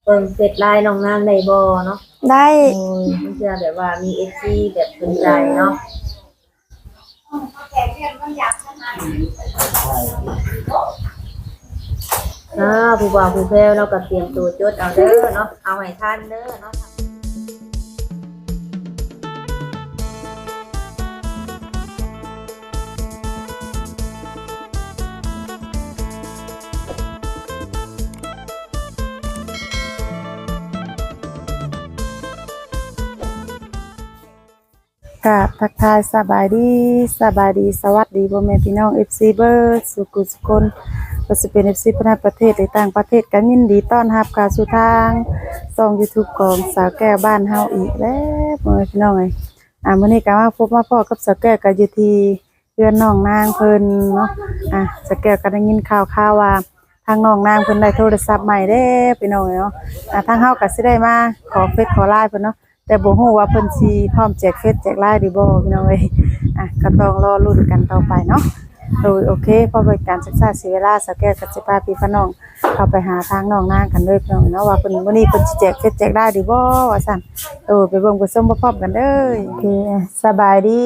เบิ่งเฟซไลน์น้องนางได้บ่เนาะได้โอ้ยมันจะแบบว่ามี FC แบบสนใจเนาะผู้บ่าวผู้แพ้วเราก็เตรียมตัวจดเอาเด้อเนาะเอาให้ทันเด้อเนาะกับทักทายสบายดีสวัสดีพ่อแม่พี่น้อง FC เบิร์ดสุขุสุคนก็จะเป็น FC ภายในประเทศหรือต่างประเทศกันยินดีต้อนรับเข้าสู่ทางช่อง YouTube ของสาวแก้วบ้านเฮาอีกแล้วพ่อแม่พี่น้องเอ้ยมื้อนี้ก็มาพบมาพ้อกับสาวแก้วก็อยู่ที่เรือนน้องนางเพิ่นเนาะสาวแก้วก็ได้ยินข่าวว่าทางน้องนางเพิ่นได้โทรศัพท์ใหม่เด้พี่น้องเนาะทางเฮาก็สิได้มาขอเฟซขอไลน์เพิ่นเนาะแต่บ่ฮู้ว่าเพิ่นสิพร้อมแจกเฟซแจกไลน์ดีบ่พี่น้องเอ้ยก็ต้องรอลุ้นกันต่อไปเนาะโอเคพอเป็นการศึกษาเสียเวลาสแกนกับสิพาพี่น้องเข้าไปหาทางน้องนางกันเลยพี่น้องเนาะว่าเพิ่นมื้อนี้เพิ่นสิแจกเฟซแจกไลน์ดีบ่ว่าซั่นไปเบิ่งไปส้มพร้อมกันเด้อโอเคสบายดี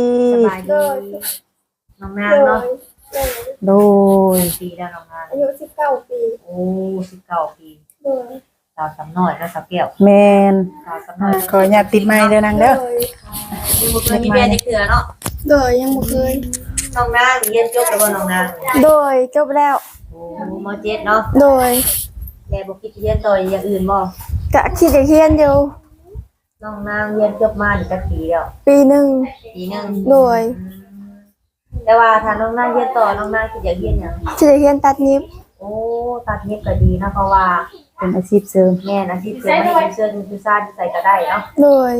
น้องนางเนาะโดยปีแล้วน้องนางอายุ19ปีโอ้19ปีสาวสำน้อยแล้วสาวแก้วแม่นสาวสำน้อยขออนุญาตติดไมค์เด้อนางเด้อยังบ่เคยมีเรียนจักเทื่อเนาะโดยยังบ่เคยน้องนางเรียนจบแล้วบ่น้องนางโดยจบแล้วโอ้ม.7 เนาะโดยแต่บ่คิดเรียนต่ออย่างอื่นบ่ก็คิดจะเรียนอยู่น้องนางเรียนจบมาได้จักปีแล้วปีหนึ่งโดยแต่ว่าถ้าน้องนางเรียนต่อน้องนางสิอยากเรียนหยังสิได้เรียนตัดเย็บโอ้ตัดเย็บก็ดีนะเพราะว่าเป็นอาชีพเสริมแม่นอาชีพเสริมให้เสื้อคือซ่าใส่ก็ได้เนาะโดย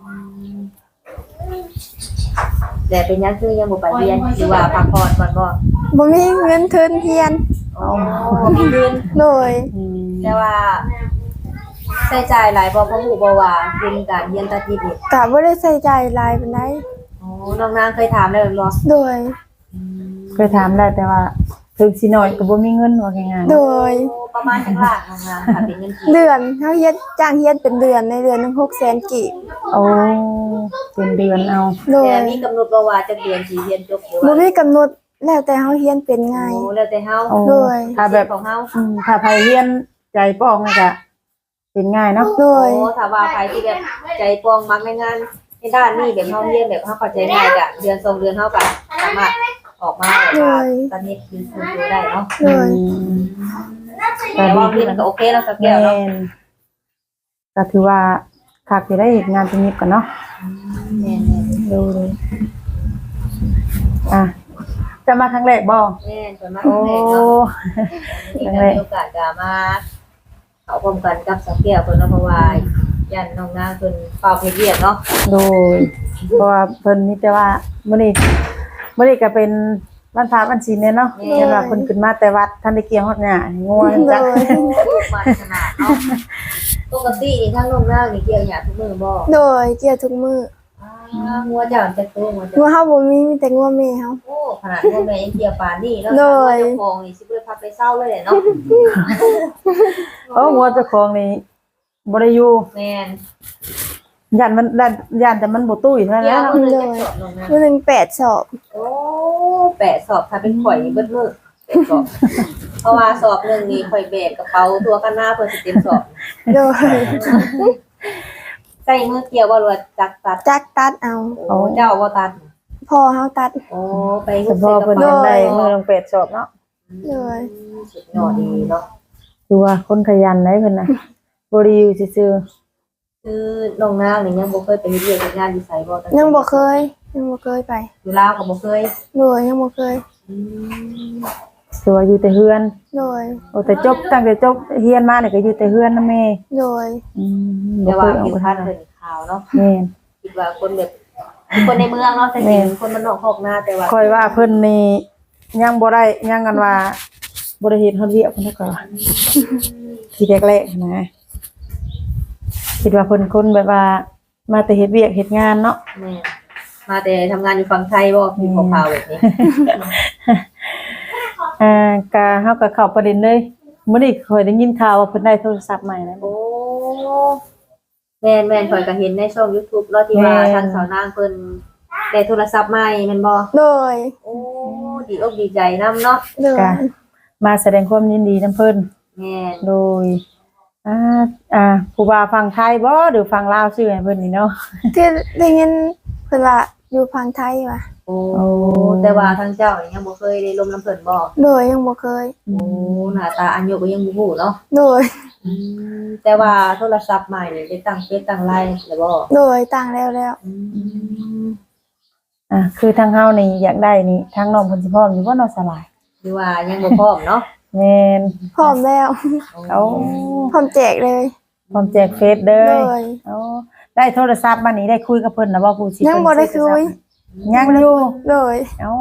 แต่เป็นยังคือยังบ่ไปเรียนหรือว่าพักผ่อนก่อนบ่มีเงินทุนเรียนอ๋อมีเงินโดยแต่ว่าใช้จ่ายหลายบ่เพราะฮู้บ่ว่าเป็นการเรียนตัดเย็บนี่ก็บ่ได้ใช้จ่ายหลายปานใดอ๋อน้องนางเคยถามแล้วบ่โดยเคยถามแล้วแต่ว่าถึงสิน้อยก็บ่มีเงินว่าง่ายๆโดยประมาณจักล้านน้องนางถ้าเป็นเงินเดือนเฮาเฮ็ดจ้างเฮ็ดเป็นเดือนในเดือนนึง600,000กีบโอ้เป็นเดือนเอาแต่มีกำหนดบ่ว่าจักเดือนสิเรียนจบหรือว่าบ่มีกำหนดแล้วแต่เฮาเรียนเป็นไงโอ้แล้วแต่เฮาโดยถ้าแบบของเฮาถ้าไผเรียนใจป้องนี่ก็เป็นง่ายเนาะโดยโอ้ถ้าว่าใครที่แบบใจปองมักในงานในด้านนี้แบบเฮาเรียนแบบเฮาเข้าใจง่ายก็เดือน2เดือนเฮาก็สามารถออกมาแบบว่าตอนนี้คือดูได้เนาะแต่ว่าเรียนก็โอเคแล้วสักแก้วเนาะก็ถือว่าคักสิได้เฮ็ดงานตรงนี้กันเนาะแม่ๆดูจะมาครั้งแรกบ่แม่จะมาครั้งแรกเนาะมีโอกาสจะมาเข้าพร้อมกันกับสักแก้วเพิ่นเนาะเพราะว่าย่านน้องนางเพิ่นเฝ้าเฮ็ดเวียกเนาะโดยเพราะว่าเพิ่นมีแต่ว่ามื้อนี้ก็เป็นวันพระวันศีลเนาะเห็นว่าเพิ่นขึ้นมาแต่วัดท่านได้เกี่ยวฮอดหญ้างัวจักมาขนาดเนาะปกตินี่ทางน้องนางนี่เกี่ยวหญ้าทุกมื้อบ่โดยเกี่ยวทุกมื้องัวเจ้าจักตัวงัวเฮาบ่มีแต่งัวแม่เฮาโอ้ขนาดงัวแม่ยังเกี่ยวปานนี้เนาะเจ้าของนี่สิบ่ได้พาไปเซาเลยเนาะงัวเจ้าของนี่บ่ได้อยู่แม่นย่านแต่มันบ่ตุ้ยเท่านั้นเนาะมื้อนึง8 สอบโอ้8 สอบถ้าเป็นข่อยนี่เบิดมื้อ8 สอบเพราะว่าสอบนึงนี่ข่อยแบกกระเป๋าตัวกันหน้าเพิ่นสิเต็มสอบโดยใส่มือเกี่ยวบ่หรือจักตัดเอาโอ้เจ้าบ่ตัดพ่อเฮาตัดโอ้ไปเฮ็ดใส่กระเป๋าได้มื้อนึง8 สอบเนาะโดยสุดยอดดีเนาะคือว่าคนขยันได้เพิ่นน่ะบ่ได้อยู่ซื่อคือน้องนางนี่ยังบ่เคยไปเฮ็ดเวียกเฮ็ดงานอยู่ไสบ่ยังบ่เคยไปอยู่ลาวก็บ่เคยโดยยังบ่เคยคือว่าอยู่แต่เฮือนโดยโอ้แต่ตั้งแต่จบเรียนมานี่ก็อยู่แต่เฮือนนำแม่โดยแต่ว่าอยู่ท่านเพิ่นข่าวเนาะแม่นคิดว่าคนแบบคนในเมืองเนาะแต่จริงคนมันนอกคอกนาแต่ว่าค่อยว่าเพิ่นนี่ยังบ่ได้ยังกันว่าบ่ได้เฮ็ดเฮาเวียกเพิ่นก็ทีแรกๆนะคิดว่าเพิ่นคนแบบว่ามาแต่เฮ็ดเวียกเฮ็ดงานเนาะแม่มาแต่ทำงานอยู่ฝั่งไทยบ่มีข่าวแบบนี้ก็เฮาก็เข้าประเด็นเลยมื้อนี้ค่อยได้ยินข่าวว่าเพิ่นได้โทรศัพท์ใหม่นะโอ้แม่นข่อยก็เห็นในช่อง YouTube แล้วที่ว่าทางสาวนางเพิ่นได้โทรศัพท์ใหม่แม่นบ่โดยโอ้ดีอกดีใจนำเนาะโดยก็มาแสดงความยินดีนํเพิ่นแม่นโดยผู้ว่าฟังไทยบ่หรือฟังลาวชื่อให้เพิ่นนี่เนาะที่ได้ยินเพิ่นว่าอยู่ฝั่งไทยว่ะโอ้แต่ว่าทางเจ้านี่ยังบ่เคยได้ลมน้ำเพิ่นบ่โดยยังบ่เคยโอ้หน้าตาอันโยก็ยังบ่ฮู้เนาะโดยแต่ว่าโทรศัพท์ใหม่นี่ได้ตั้งเฟซตั้งไลน์แล้วบ่โดยต่างแล้วคือทางเฮานี่อยากได้นี่ทางน้องเพิ่นสิพร้อมอยู่บ่เนาะสลายหรือว่ายังบ่พร้อมเนาะแม่นพร้อมแล้วเอาพร้อมแจกเลยพร้อมแจกเฟซเด้โดอย เอาได้โทรศัพท์มานี่ได้คุยกับเพิ่นนะบ่ผู้สิยังบ่ได้คุยยังอยู่โดยเอ้า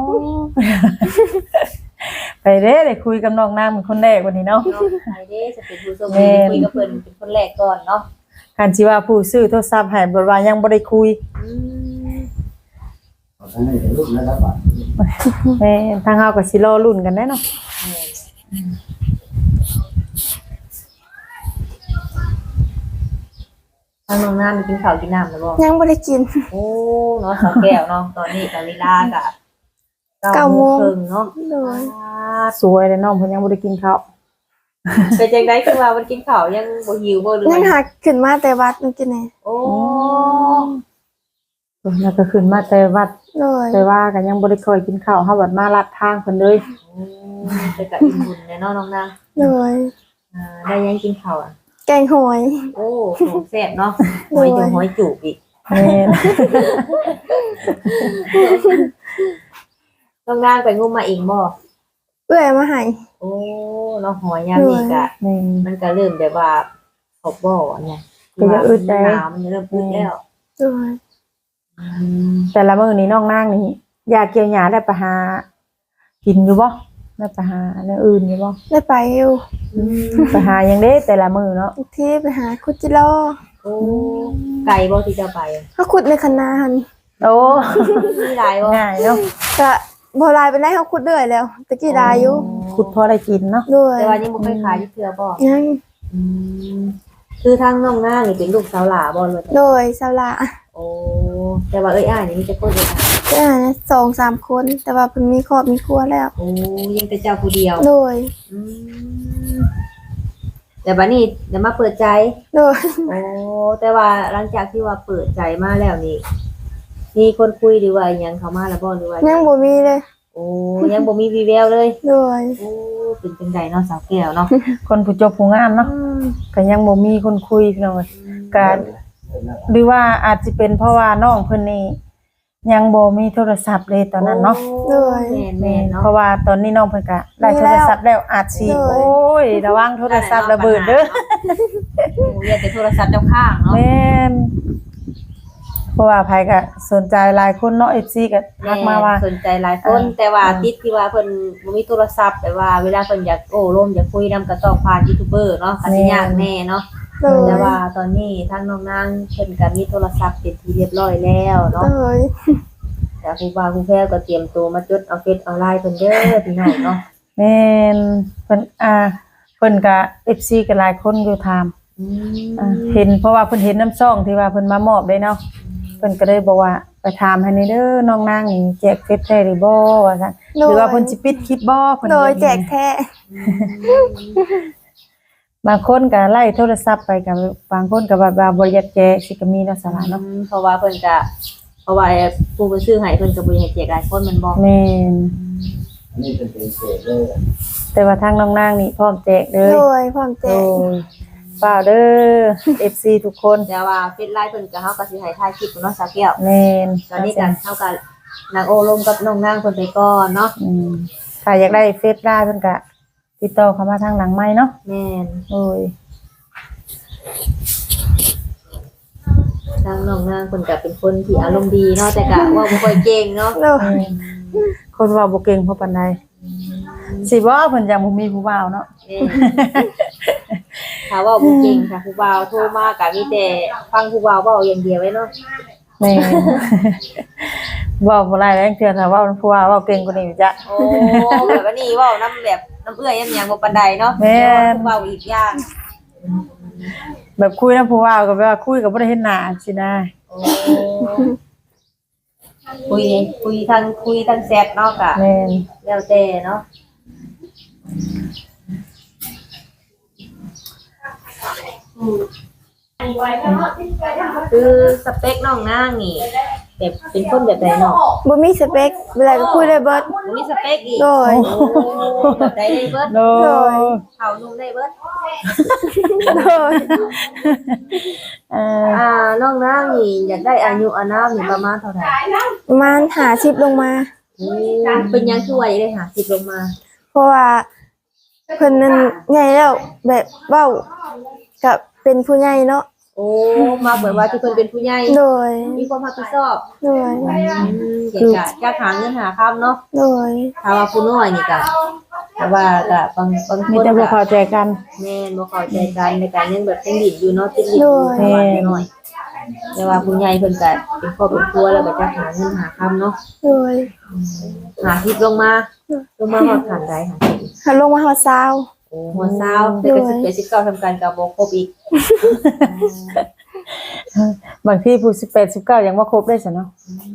ไปเด้ได้คุยกับน้องนางเป็นคนแรกวันนี้เนาะเนาะใครเด้จะเป็นผู้โชคดีคุยกับเพิ่นเป็นคนแรกก่อนเนาะคันสิว่าผู้ซื้อโทรศัพท์ให้บ่ว่ายังบ่ได้คุยแม่ทางเฮาก็สิรอลุ้นกันแน่เนาะทางน้องน้ำมีกินข้าวกินน้ำแล้วบ่ยังบ่ได้กินโอ้เนาะสองแก้วเนาะตอนนี้กะเวลากะเก้าโมง 9:30เนาะโดยสวยเลยน้องเพิ่นยังบ่ได้กินข้าวเป็นจังได๋คือว่ามันกินข้าวยังบ่หิวบ่หรือยังหักขึ้นมาแต่วัดเมื่อกี้นี่โอ้แล้วก็ขึ้นมาแต่วัดโดยแต่ว่าก็ยังบ่ได้ค่อยกินข้าวเฮาบัดมาลัดทางเพิ่นเลยแต่ก็อิ่มบุญแน่เนาะน้องนางโดยได้ยังกินข้าวอ่ะแกงหอยโอ้ของแซ่บเนาะหอยจุ๋มหอยจูบอีกแม่นน้องนางไปงมมาเองบ่เอื้อยมาให้โอ้เนาะหอยยามนี้ก็แม่นมันก็เริ่มแบบว่าขอบบ่อเนี่ยก็จะอึดได้น้ำมันเริ่มอึดแล้วโดยแต่ละมื้อนี้น้องนางนี่อยากเกี่ยวหญ้าได้ไปหากินอยู่บ่ได้ไปหาอันอื่นอยู่บ่ได้ไปอยู่ไปหาหยังเด้แต่ละมื้อเนาะอีกที่ไปหาคุดจิโร่โอ้ไก่บ่ที่จะไปเขาขุดในคันนาหันโอ้มีหลายบ่ง่ายเนาะก็บ่ลายไปได้เขาขุดเรื่อยแล้วตะกี้ลายอยู่ขุดพอได้กินเนาะโดยแต่ว่ายังบ่เคยขายที่เทื่อบ่ยังคือทางน้องนางนี่เป็นลูกสาวหลาบ่เลยโดยสาวละโอ้แต่ว่าเอ้ยอ้ายนี่มีแต่คนเดียวก็นะ2-3 คน แต่ว่าเพิ่นมีครอบมีครัวแล้วโอ้ยังแต่เจ้าผู้เดียวโดยอืมแต่บัดนี้เดี๋ยวมาเปิดใจโดยโอ้แต่ว่าหลังจากที่ว่าเปิดใจมาแล้วนี่มีคนคุยหรือว่าอิหยังเข้ามาแล้วบ่หรือว่ายังบ่มีเลยโอ้ยังบ่มีวีแววเลยโดยโอ้เป็นจังไดเนาะสาวแก้วเนาะคนผู้จบผู้งามเนาะก็ยังบ่มีคนคุยพี่น้องเอ้ยก็หรือว่าอาจสิเป็นเพราะว่าน้องเพิ่นนี่ยังบ่มีโทรศัพท์เลยตอนนั้นเนาะโอ้แม่นๆเนาะเพราะว่าตอนนี้น้องเพิ่นก็ได้โทรศัพท์แล้วอาจสิโอ้ยระวังโทรศัพท์ระเบิดเด้อโอ้อย่าแต่โทรศัพท์เจ้าข้างเนาะแม่นเพราะว่าไผก็สนใจหลายคนเนาะ FC ก็ทักมาว่าสนใจหลายคนแต่ว่าติดที่ว่าเพิ่นบ่มีโทรศัพท์แต่ว่าเวลาเพิ่นอยากโอ้ร่มอยากคุยนํก็ต้องผ่านยูทูบเบอร์เนาะก็สิยากแน่เนาะโดยแต่ว่าตอนนี้ทางน้องนางเพิ่นก็มีโทรศัพท์เป็นที่เรียบร้อยแล้วเนาะโดยแต่ครูบาครูแพรก็เตรียมตัวมาจดเอาเฟซเอาไลน์เพิ่นเด้อพี่น้องเนาะแม่นเพิ่นก็ FC ก็หลายคนอยู่ถามเห็นเพราะว่าเพิ่นเห็นน้ำซ่องที่ว่าเพิ่นมามอบได้เนาะเพิ่นก็เลยบอกว่าไปถามให้ในเด้อน้องนางนี่แจกเฟซได้หรือบ่ว่าซั่นหรือว่าเพิ่นสิปิดคลิปบ่เพิ่นโดยแจกแท้บางคนก็ไล่โทรศัพท์ไปกับบางคนก็ว่าบ่อยากแจกสิก็มีเนาะสาระเนาะเพราะว่าเพิ่นก็เพราะว่าผู้เพิ่นซื้อให้เพิ่นก็บ่ให้แจกหลายคนแมันบ่แม่นอันนี้เป็นเศษเลยแต่ว่าทางน้องนางนี่พร้อมแจกเลโดยยพร้อมแจโอ้กยเปล่าเด้อ FC ทุกคนแต่ว่าเฟซไลน์เพิ่นก็เฮาก็สิให้ถ่ายคลิปเนาะสาวแก้วแม่นตอนนี้ก็เฮาก็นางโอลมกับน้องนางเพิ่นไปก่อนเนาะถ้าอยากได้เฟซไลน์เพิ่นก็ติดต่อเข้ามาทางหลังไม้เนาะแม่นโอ้ยทางน้องนางเพิ่นก็เป็นคนที่อารมณ์ดีเนาะแต่ก็เว้าบ่ค่อยเก่งเนาะโดยคนว่าบ่เก่งเพราะปานใดสิบ่เพิ่นยังบ่มีผู้บ่าวเนาะแม่นถ้าเว้าบ่เก่งค่ะผู้บ่าวโทรมาก็มีแต่ฟังผู้บ่าวเว้าอย่างเดียวไว้เนาะแม่น เว้าบ่หลายแรงเทื่อถ้าเว้าผู้ว่าเว้าเก่งกว่านี้อยู่จ้ะโอ้แบบว่านี่เว้านำแบบน้ำเอื้อยยำหยังบ่ปานใดเนาะแม่นผู้บ่าวอีกอย่างแบบคุยนำผู้ว่าก็แบบว่าคุยก็บ่ได้เห็นหน้าสินะโอ้คุยทางแชทเนาะกะแม่นแล้วแต่เนาะคือสเปคน้องนางนี่แบบเป็นคนแบบไหนเนาะบ่มีสเปคเวลาก็คุยได้เบิดบ่มีสเปคอีกโดยโอ้แบบใดได้เบิดโดยเขานุ่มได้เบิดโดยน้องนางนี่อยากได้อายุอานามนี่ประมาณเท่าไหร่ประมาณ50ลงมาเป็นหยังคือว่าอยากได้50ลงมาเพราะว่าเพิ่นนั้นใหญ่แล้วแบบเว้าก็เป็นผู้ใหญ่เนาะโอ้มาเหมือนว่าที่เพิ่นเป็นผู้ใหญ่โดยมีความรับผิดชอบโดยอยากหาเงินหาคำเนาะโดยถ้าว่าผู้น้อยนี่ก็แต่ว่าก็บางคมีนแต่บ่เข้าใจกันแม่นบ่เข้าใจกันในการยังแบบเป็นดินอยู่เนาะติดดินอยู่ประมาณน้อยแต่ว่าผู้ใหญ่เพิ่นก็เป็นครอบเป็นครัวแล้วก็จะหาเงินหาคำเนาะโดยหาทิพลงมาฮอดขันใดหาทิพเขาลงมาฮอดซาวโอ้หัวเศร้าแต่ก็สิบ19ทำการกับบ่ครบอีกบางทีผู้18 19ยังบ่ครบได้ซะเนาะ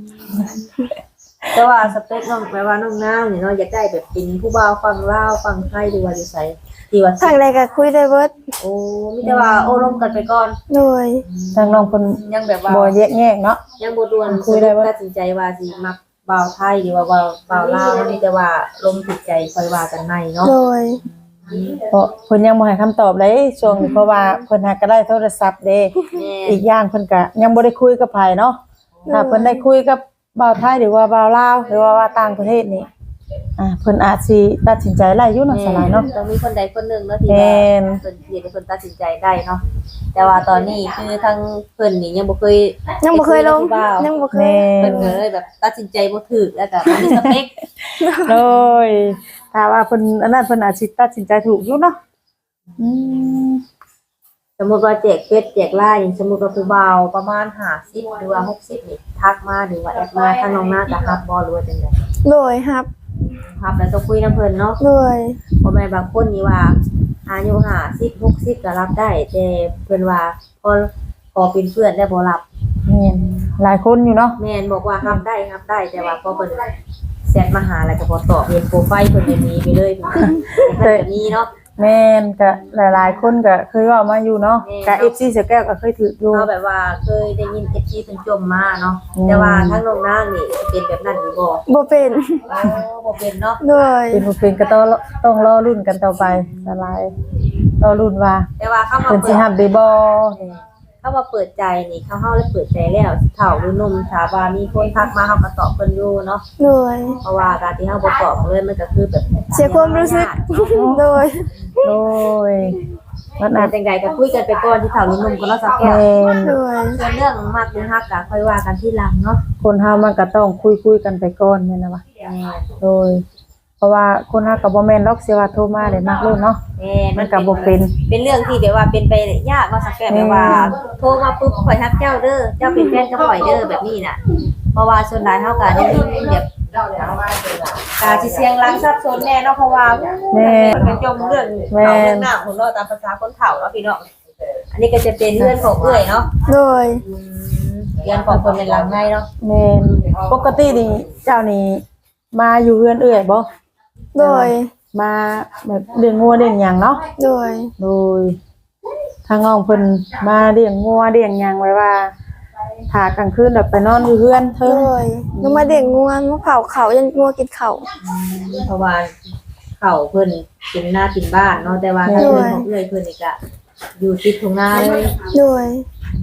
แต่ว่าสเปคน้องแปลว่าน้องนางนี่เนาะอยากได้แบบเป็นผู้บ่าวฟังลาวฟังไทยหรือว่าอยู่ไสที่ว่าทางใดก็คุยได้เบิดโอ้มีแต่ว่าโอ้ร่มกันไปก่อนโดยทางน้องเพิ่นยังแบบว่าบ่แยกแยกเนาะยังบ่ด่วนคุยได้บ่ตัดสินใจว่าสิมักบ่าวไทยหรือว่าบ่าวลาวมีแต่ว่าลมติดใจค่อยว่ากันในเนาะโดยเพราะเพิ่นยังบ่ให้คำตอบเลยช่วงนี้เพราะว่าเพิ่นหาก็ได้โทรศัพท์เด้แม่อีกอย่างเพิ่นก็ยังบ่ได้คุยกับไผเนาะถ้าเพิ่นได้คุยกับบ่าวไทยหรือว่าบ่าวลาวหรือว่าต่างประเทศนี่เพิ่นอาจสิตัดสินใจได้อยู่เนาะสลายเนาะต้องมีคนใดคนหนึ่งเนาะที่แม่ว่าน เพิ่นสิให้เพิ่นตัดสินใจได้เนาะแต่ว่าตอนนี้คือทั้งเพิ่นนี่ยังบ่เคยยังบ่เคยลงไปคุกับผู้บ่าวยังบ่เคแม่ยเพิ่นนก็เลยแบบตัดสินใจบ่ถูกแล้วก็บ่มีสเปคโดยถ้าว่าเพิ่นอันนั้นเพิ่นอาจสิตัดสินใจถูกอยู่เนาะอืมสมมุติว่าแจกเฟซแจกไลน์อย่างสมมุติว่าผู้บ่าวประมาณ50หรือว่า60นี่ทักมาหรือว่าแอดมาทางน้องหน้าก็รับบ่หรือว่าจังได๋โดยครับรับแล้วต้องคุยนำเพิ่นเนาะโดยบ่แม่นบางคนนี่ว่าอายุ50 60ก็รับได้แต่เพิ่นว่าพอเป็นเพื่อนได้บ่รับแม่นหลายคนอยู่เนาะแม่นบอกว่ารับได้แต่ว่าพอเพิ่นแชทมาหาแล้วก็บ่ตอบเห็นโปรไฟล์เพิ่นมีไปเลยเพิ่นแบบนี้เนาะแม่นก็หลายๆคนก็เคยเว้ามาอยู่เนาะก็ FC เสือแก้วก็เคยถืออยู่เฮาแบบว่าเคยได้ยิน FC เพิ่นจมมาเนาะแต่ว่าทั้งน้องนางนี่สิเป็นแบบนั้นหรือบ่บ่เป็นบ่เป็นเนาะโดยเป็นบ่เป็นก็ต้องรอรุ่นกันต่อไปสลายรอรุ่นว่าแต่ว่าเข้ามาเพิ่นเปิสิดรับได้บ่เข้ามาเปิดใจนี่เฮาเลยเปิดใจแล้วเฒ่าหรือหนุ่มถ้าว่ามีคนทักมาเฮาก็ตอบเพิ่นอยู่เนาะโดยเพราะว่าการที่เฮาบ่ตอบเลยมันก็คือแบบเสียความรู้สึก โดยโดยมันแต่อาจจังใดก็คุยกันไปก่อนที่เฒ่าหรือหนุ่มก็เนาะสักแก้แม่วนโดยส่วนเรื่องมักหรือฮักก็ค่อยว่ากันทีหลังเนาะคนเฮามันก็ต้องคุยกันไปก่อนแม่นนะวะแม่โดย เพราะว่าคนเฮาก็บ่แม่นหรอกสิว่าโทรมาได้มักโลดเนาะแม่มันก็บ่เป็นเป็นเรื่องที่แบบว่าเป็นไปยากเนาะสักแก้วแบบว่าโทรมาปุ๊บข่อยทักเจ้าเด้อเจ้าเป็นแฟนกับข่อยเด้อแบบนี้น่ะเพราะว่าส่วนหลายเฮาก็ได้ยินแบบกาสิเสียงหลังซับซ้อนแน่เนาะเพราะว่าแม่เป็นจมเรื่องเรื่องหน้าของเราตามภาษาคนเฒ่าเนาะพี่น้องอันนี้ก็จะเป็นเรื่องของเอื้อยเนาะโดยเรื่องของคนเป็นหลังในเนาะแม่นปกตินี่เจ้านี่มาอยู่เฮือนเอื้อยบ่โดยมาแบบเลี้ยงงัวเลี้ยงหยังเนาะโดยโดยทางน้องเพิ่นมาเลี้ยงงัวเลี้ยงหยังไว้ว่าถ้ากลางคืนแบบไปนอนอยู่เฮือนเทิโดงยลงมาเด็กงัวมาเผาเขายันงัวกินเขาเพราะว่าเขาเพิ่นเป็นหน้าเป็นบ้านเนาะแต่ว่าถ้าเรื่องของเอื้อยเพิ่นนี่ก็อยู่ติดทุ่งนาเลยโดย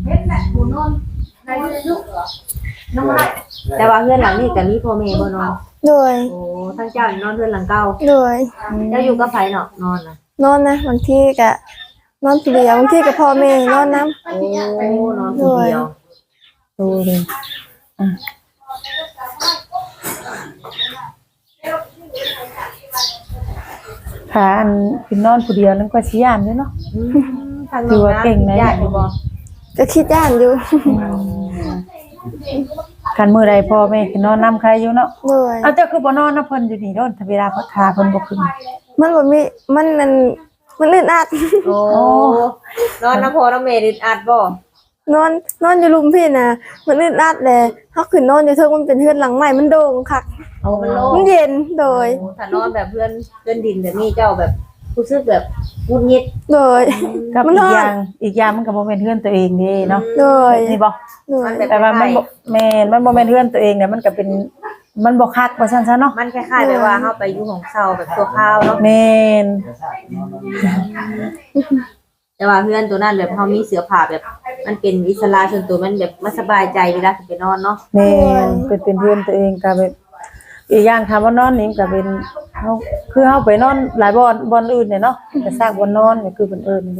แต่ว่าเพื่อนหลังนี่ก็มีพ่อแม่บ่นอนโดยโอ้ทั้งเจ้านี่นอนเพื่อนหลังเก่าโดยเจ้าอยู่กับไผเนาะนอนน่ะนอนนะบางทีก็นอนผู้เดียวบางทีก็พ่อแม่นอนน้โอ้นอนคนเดียวดูดิค่ะอันเป็นนอนผู้เดียวนั่นก็สิย่านอยู่เนาะทางน้องนะญาติอยู่บ่ำก็คิดย่านอยู่คันมื้อใดพ่อแม่คือนอนนํใครอยู่เนาะโดยเอาเจ้าคือบ่นอนนำเพิ่นอยู่นี่โดนถ้าเวลาเพิ่นขาเพิ่นบ่ขึ้นมันบ่มีมันมันอึดอัดโอ้นอนน้ำพอน้ำเมริดอัดบ่นอนอยู่ลุมพี่น่ะมันอึดอัดแหละเฮาขึ้นนอนอยู่เทิงมันเป็นเฮือนหลังใหม่มันโด่งคักโอ้มันโล่งมันเย็นโดยโอ้ถ้านอนแบบเพื่อนดินแบบนี้เจ้าแบบรู้สึกแบบงุนงิดโดยกับมันอีร้กอนอย่างมันก็บ่แม่นเฮือนตัวเองเด้เนาะโดยนี่บ่โดยแต่ว่ามันบ่แม่นมันบ่แม่นเฮือนตัวเองเนี่ยมันก็เป็นมันบ่คักว่าซั่นซะเนาะมันคล้ายๆแบบว่าเฮาไปอยู่ของเซาแบบตัวข้าวเนาะแม่นแต่ว่าเพื่อนตัวนั้นแบบเฮามีเสื้อผ้าแบบ มันเป็นอิสระส่วนตัวมันแบบมันสบายใจเวลาไปนอนเนาะแม่นเป็นเฮือนตัวเองก็แบบอีกอย่างคำว่านอนนี่ก็เป็นเฮาคือเฮาไปนอนหลายบ่อนอื่นเนี่ยเนาะก็สร้างบ่อนนอนก็คือเพิ่นเอิ้น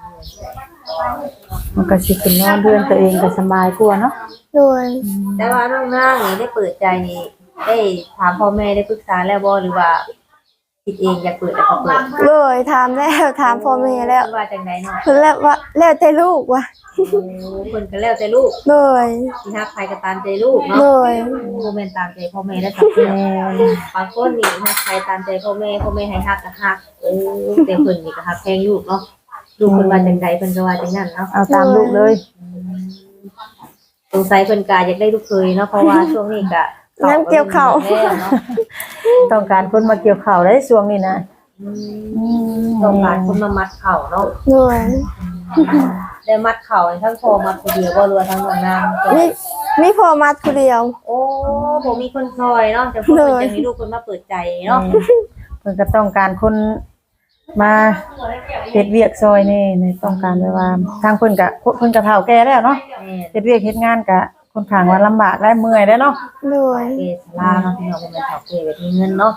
มันก็สิเป็นนอนเฮือนตัวเองก็สบายกว่าเนาะโดยแต่ว่าน้องนางนี่ได้เปิดใจนี่ได้ถามพ่อแม่ได้ปรึกษาแล้วบ่หรือว่าคิดเองอยากเปิดแล้วก็เปิดโดยถามแล้วถามพ่อแม่แล้วว่าจังไดเนาะเพิ่นแล้วว่าแล้วแต่ลูกว่ะโอ้เพิ่นก็แล้วแต่ลูกโดยสิฮักใครก็ตามใจลูกเนาะโดยบ่แม่นตามใจพ่อแม่ได้สักแม่บางคนนี่ฮักใครตามใจพ่อแม่ให้ฮักก็ฮักแต่เพิ่นนี่ก็ฮักแพงลูกเนาะลูกเพิ่นว่าจังไดเพิ่นก็ว่าจังนั้นเนาะเอาตามลูกเลยสงสัยเพิ่นก็อยากได้ลูกเคยเนาะเพราะว่าช่วงนี้ก็งั้นเกี่ยวข้าวแล้วเนาะต้องการคนมาเกี่ยวข้าวได้ช่วงนี้นะต้องการคนมามัดเข่าเนาะโดยได้มัดเข่าให้ทั้งพ่อมัดผู้เดียวบ่เรือทั้งน้องนางก็มีพ่อมาผู้เดียวโอ้บ่มีคนซอยเนาะแต่เพิ่นจะมีลูกเพิ่นมาเปิดใจเนาะเพิ่นก็ต้องการคนมาเฮ็ดเวียกซอยนี่ในต้องการแบบว่าทางเพิ่นก็เฒ่าแก่แล้วเนาะแม่เฮ็ดเวียกเฮ็ดงานก็ค่อนข้างว่าลำบากและเมื่อยได้เนาะโดยเกศลาเนาะพี่น้องเป็นเฒ่าเกศแบบมีเงินเนาะ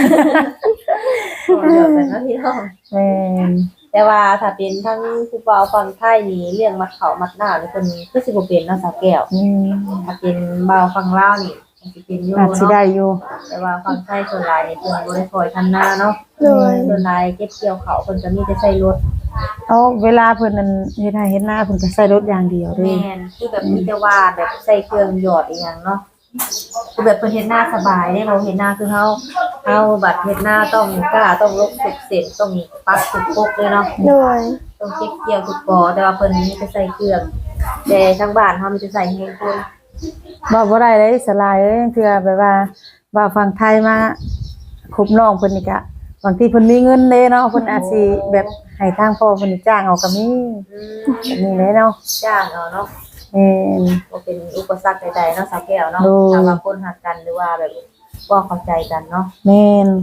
เดี๋ยวกันเนาะพี่น้องแม่นแต่ว่าถ้าเป็นทั้งผู้บ่าวฝั่งไทยนี่เรื่องมัดเขามัดหน้านี่เพิ่นคือสิบ่เป็นเนาะสาวแก้ว ถ้าเป็นบ่าวฝั่งลาวนี่มันสิเป็นอยู่อาจสิเนาะได้อยู่แต่ว่าฝั่งไทยส่วนหลายนี่เพิ่นบ่ได้คอยทำนาเนาะโดยส่วนหลายเก็บเกี่ยวเขาวเพิ่นก็มีแต่ใช้รถเอาเวลาเพิ่นนั่นเฮ็ดให้เฮ็ดหน้าเพิ่นก็ใช้รถอย่างเดียวเด้แม่นคือแบบมีแต่ว่าแบบใส่เครื่องหยอดอีหยังเนาะคือแบบเพิ่นเฮ็ดนาสบายเด้เราเฮ็ดนาคือเฮาบัดเฮ็ดนาต้องกล้าต้องลบทุกเส้นต้องปักทุกปกเลยเนาะโดยต้องเก็บเกี่ยวทุกปอแต่ว่าเพิ่นมีแต่ใส่เครื่องแต่ทางบ้านเฮามีแต่ใส่แฮงคนบ่ได้เลยสลายเอ้ยเทื่อแบบว่าฝั่งไทยมาคบน้องเพิ่นนี่ก็บางทีเพิ่นมีเงินเด้เนาะเพิ่นอาจสิแบบให้ทางพ่อเพิ่นนี่จ้างเอาก็มีอืมแบบนี้เลยเนาะจ้างเอาเนาะแม่นบ่เป็นอุปสรรคใดๆเนาะสาวแก้วเนาะโดยถ้าว่าคนรักกันหรือว่าแบบบ่เข้าใจกันเนาะแม่น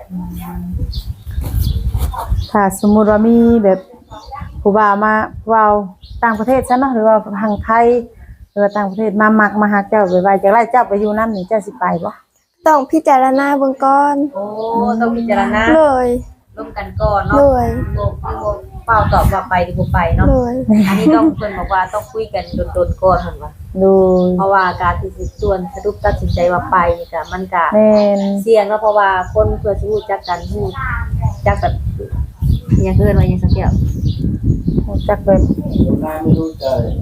ถ้าสมมุติว่ามีแบบผู้บ่าวมาเว้าต่างประเทศซะเนาะหรือว่าทางไทยหรือว่าต่างประเทศมามักมาหาเจ้าไปไว้จักไล่เจ้าไปอยู่นำนี่เจ้าสิไปบ่ต้องพิจารณาเบื้องก่อนโอ้ต้องพิจารณาเลยร่วมกันก่อนเนาะเลยบ่เปล่าตอบว่าไปหรือบ่ไปเนาะเลยอันนี้ต้องเพิ่นบอกว่าต้องคุยกันดนๆก่อนเพิ่นว่าดูเพราะว่าการที่สิส่วนสรุปตัดสินใจว่าไปนี่ก็มันก็แม่นเสี่ยงเนาะเพราะว่าคนเพื่อสิรู้จักกันรู้จักแบบอหยังเอิ้นว่าหยังสักอย่างรู้จักแบบนายไม่รู้ใจ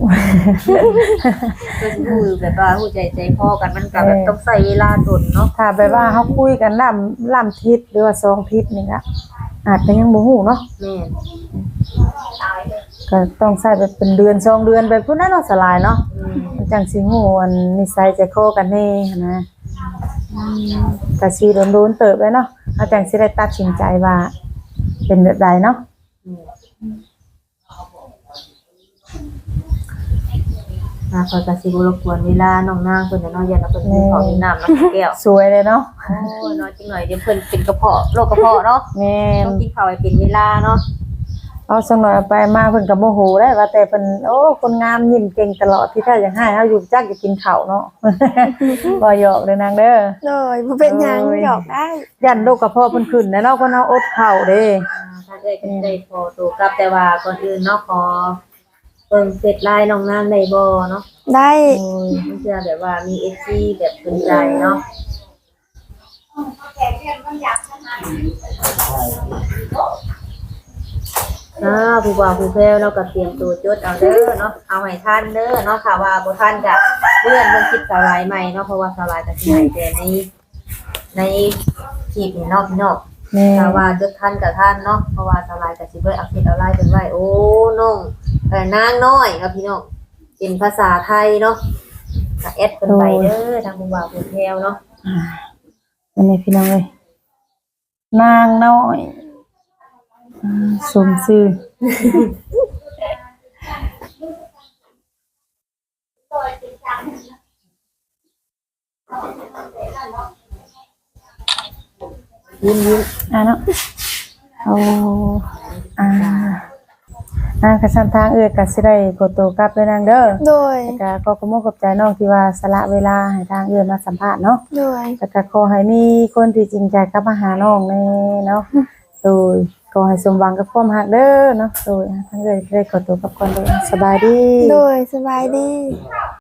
เพื่อสิรู้แบบว่ารู้ใจพ่อกันมันก็แบบต้องใช้เวลาดนเนาะถ้าแบบว่าเฮาคุยกันล่ำทิศหรือว่า2ทิศนี่ก็อาจจะยังบ่ฮู้เนาะแม่นก็ต้องใช้แบบเป็นเดือน2เดือนแบบพุ่นน่ะเนาะสลายเนาะ มันจังสิฮู้อันนิสัยใจคอกันแน่หั้นนะก็สิโดนๆเติบเลยเนาะเอาจังสิได้ตัดสินใจว่าเป็นแบบใดเนาะขอยก็สิบ่รบกวนเวลาน้องนางเพิ่นเนาะอย่าเพิ่นมีของมีน้ำเนาะแก้วสวยเลยเนาะโอ้ยน้อยจังหน่อยเดี๋ยวเพิ่นเป็นกระเพาะโรคกระเพาะเนาะแม่นต้องกินข้าวให้เป็นเวลาเนาะเอาสักหน่อยเอาไปมาเพิ่นก็บ่ฮู้ได้ว่าแต่เพิ่นโอ้คนงามยิ้มเก่งตลอดที่แท้อยากให้เฮาอยู่จักจะกินข้าวเนาะ บ่หยอกเด้อนางเด้อเลยบ่เป็นหยังหยอกได้ยันโรคกระเพาะเพิ่นขึ้นแน่เนาะเพิ่นเฮาอดข้าวเด้ถ้าได้พอตัวกลับแต่ว่าก่อนอื่นเนาะขอเบิ่งเฟซไลน์น้องนางได้บ่เนาะได้โอ้ยมันจะแบบว่ามี FC แบบสนใจเนาะผู้บ่าวผู้แพ้วเราก็เตรียมตัวจดเอาเด้อเนาะเอาให้ทันเด้อเนาะค่ะว่าบ่ทันก็เลื่อนเบิ่งคลิปสลายใหม่เนาะเพราะว่าสลายก็สิให้แต่ในคลิปนี่เนาะพี่น้องแแม่ถ้าว่าจดทันกับท่านเนาะเพราะว่าสลายกับสิเบิดเอาเฟซเอาไลน์เป็นไว้โอ้น้องนางน้อยครับพี่น้องเป็นภาษาไทยเนาะก็แอดเพิ่นไปเด้อทางผู้บ่าวผู้แพรวเนาะอันนี้พี่น้องเอ้ยนางน้อยสมชื่อยิ้มเนาะเอากระสันทางก็สิได้กดตัวกลับด้วยนางเด้อโดยแล้วก็ขอบคุณขอบใจน้องที่ว่าสละเวลาให้ทางมาสัมภาษณ์เนาะโดยแล้วก็ขอให้มีคนที่จริงใจกับมาหาน้องแน่เนาะโดยขอให้สมหวังกับความรักเด้อเนาะโดยทางได้ขอตัวกลับก่อนเลยสบายดีโดยสบายดี